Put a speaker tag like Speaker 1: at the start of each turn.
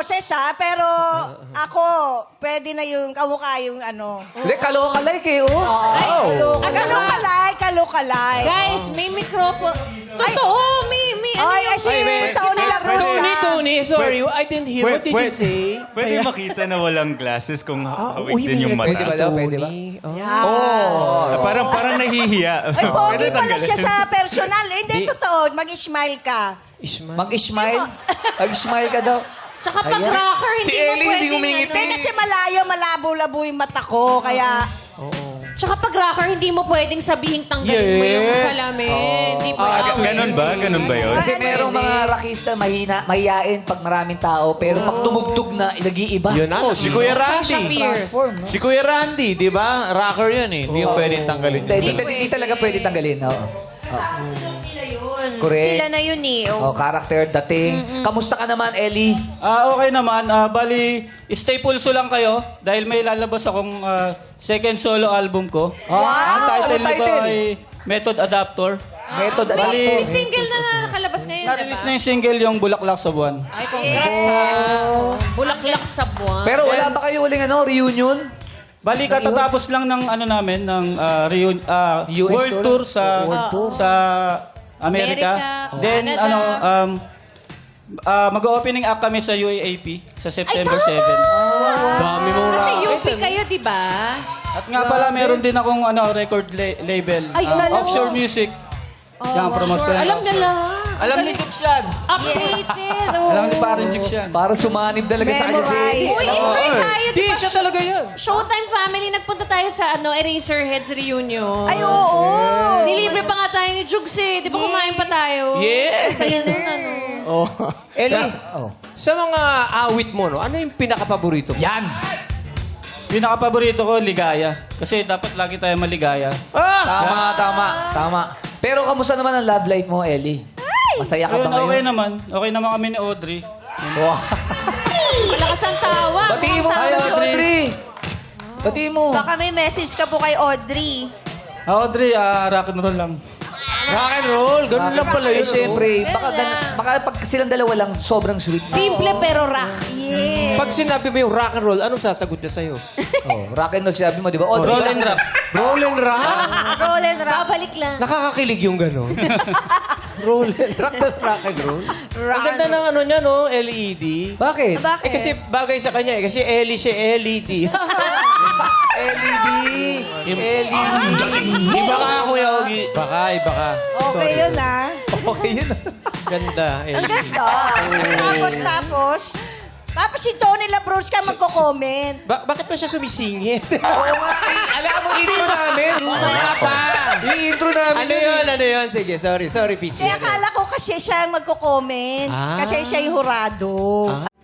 Speaker 1: boses ha, pero ako, pwede na yung kamukha yung ano.
Speaker 2: Hindi, kaloka-like eh, oh.
Speaker 1: Kalokalay.
Speaker 3: Guys, may mikropo. Totoo, may ano
Speaker 1: Ay,
Speaker 3: yung...
Speaker 1: si Tony Labrusca.
Speaker 4: Tony, sorry. I didn't hear. What did you say?
Speaker 5: Pwede makita na walang glasses kung hawig
Speaker 4: uy,
Speaker 5: din yung
Speaker 4: may
Speaker 5: mata.
Speaker 2: Pwede ba daw? Pwede ba?
Speaker 5: Parang nahihiya.
Speaker 1: Ay, pogi
Speaker 5: Pwede
Speaker 1: pala
Speaker 5: tanggalin.
Speaker 1: siya sa personal. Hindi, totoo. Mag-smile ka.
Speaker 2: Mag-smile? Mag-smile ka daw.
Speaker 3: Tsaka pag rocker,
Speaker 4: Si
Speaker 3: hindi mo
Speaker 4: Ellie, hindi
Speaker 3: pwedeng
Speaker 4: umingiti.
Speaker 1: Hindi, kasi malayo, malabo-labo yung mata ko. Kaya,
Speaker 3: Tsaka pag rocker, hindi mo pwedeng sabihin tanggalin mo yung salamin. Hindi pwede.
Speaker 5: Ganun ba yun?
Speaker 2: Kasi merong mga rakista mahihain pag maraming tao, pero pag tumugtog na, nag-iiba.
Speaker 4: Yun na. Si Kuya
Speaker 3: Sasha
Speaker 4: Randy.
Speaker 3: Fierce.
Speaker 4: Si Kuya Randy, di ba? Rocker yun eh. Hindi yung pwedeng tanggalin.
Speaker 2: Hindi talaga pwede tanggalin. Oo.
Speaker 6: Nila yun.
Speaker 2: Correct.
Speaker 6: Sila na yun eh.
Speaker 2: Oh, character, dating. Kamusta ka naman, Ellie?
Speaker 7: Okay naman. Bali, stay pulso lang kayo dahil may lalabas akong second solo album ko. Ang title
Speaker 2: Anong
Speaker 7: nito
Speaker 2: title?
Speaker 7: ay Method Adapter.
Speaker 2: Method
Speaker 3: May
Speaker 2: adapter.
Speaker 3: single na nakalabas ngayon,
Speaker 7: Na-release na
Speaker 3: diba?
Speaker 7: yung single yung Bulaklak sa Buwan.
Speaker 3: Ay, congrats ha. Bulaklak sa buwan.
Speaker 2: Pero wala ba kayo uling reunion?
Speaker 7: Bali, katatapos lang ng ano namin, ng
Speaker 2: US
Speaker 7: world tour sa sa Amerika.
Speaker 3: Amerika,
Speaker 7: Then,
Speaker 3: Canada.
Speaker 7: mag-opening act kami sa UAAP sa September 7.
Speaker 4: Dami mong
Speaker 3: Kasi
Speaker 4: rocker.
Speaker 3: UP kayo, di ba?
Speaker 7: At nga pala, meron din akong record label.
Speaker 3: Ay, dalawa.
Speaker 7: Offshore Music. Yan, promote ko yan.
Speaker 3: Alam na lang.
Speaker 7: Alam ni Jix yan.
Speaker 3: Updated.
Speaker 7: Alam ni parang Jix yan.
Speaker 2: Para sumanib talaga sa kanya si Ellie.
Speaker 1: Memorize.
Speaker 3: Uy, enjoy tayo, di
Speaker 4: Di,
Speaker 3: ba?
Speaker 4: siya talaga yan.
Speaker 3: Showtime family, nagpunta tayo sa Eraserheads reunion.
Speaker 6: Ay, oo.
Speaker 3: Nilibre pa nga tayo ni Jugs eh. Di ba kumain pa tayo?
Speaker 4: Yes.
Speaker 3: Saya nun, ano.
Speaker 2: Ellie. Oh.
Speaker 4: Sa mga awit mo, no, ano yung pinaka-paborito mo?
Speaker 2: Yan.
Speaker 7: Pinaka-paborito ko, ligaya. Kasi dapat lagi tayo maligaya.
Speaker 2: Tama. Pero kamusta naman ang love life mo, Ellie? Masaya ka ba
Speaker 7: Ayun, okay
Speaker 2: ngayon?
Speaker 7: naman. Okay naman kami ni Audrey.
Speaker 2: Wow.
Speaker 3: Malakas ang tawa.
Speaker 2: Batiin mo
Speaker 7: Hi,
Speaker 2: muna si
Speaker 7: Audrey.
Speaker 2: Audrey. Batiin mo.
Speaker 6: Baka may message ka po kay Audrey.
Speaker 7: Audrey, rock and roll lang.
Speaker 4: Rock and roll. Ganun lang pala
Speaker 2: Eh,
Speaker 4: yun.
Speaker 2: syempre,
Speaker 3: Ganun lang.
Speaker 2: baka pag silang dalawa lang, sobrang sweet.
Speaker 3: Simple pero rock.
Speaker 4: Pag sinabi mo yung rock and roll, anong sasagot niya sa'yo?
Speaker 2: Oh, rock and roll sinabi mo, di ba? Audrey,
Speaker 7: Roll and rap.
Speaker 4: Roll and rock?
Speaker 6: Roll and rock.
Speaker 3: Babalik lang.
Speaker 4: Nakakakilig yung gano'n. Roll and rock, tas rock and roll. Ang ganda ng ano niya, no? LED.
Speaker 2: Bakit?
Speaker 6: Bakit?
Speaker 4: Eh kasi bagay sa kanya eh. Kasi Ellie siya LED.
Speaker 2: LED. LED.
Speaker 4: Iba ka, Kuya Ogie. Baka, iba ka.
Speaker 1: okay yun ha.
Speaker 2: Okay yun.
Speaker 4: Ganda, Ellie.
Speaker 1: Tapos si Tony Labrusca magko-comment.
Speaker 4: Bakit ba siya sumisingit?
Speaker 2: Oo nga. Alam mo, intro namin. Rumah pa. Yung intro namin.
Speaker 4: Ano yun? Sige, sorry, Peachy.
Speaker 1: Kaya akala ko kasi siya ang magko-comment. Kasi siya yung hurado.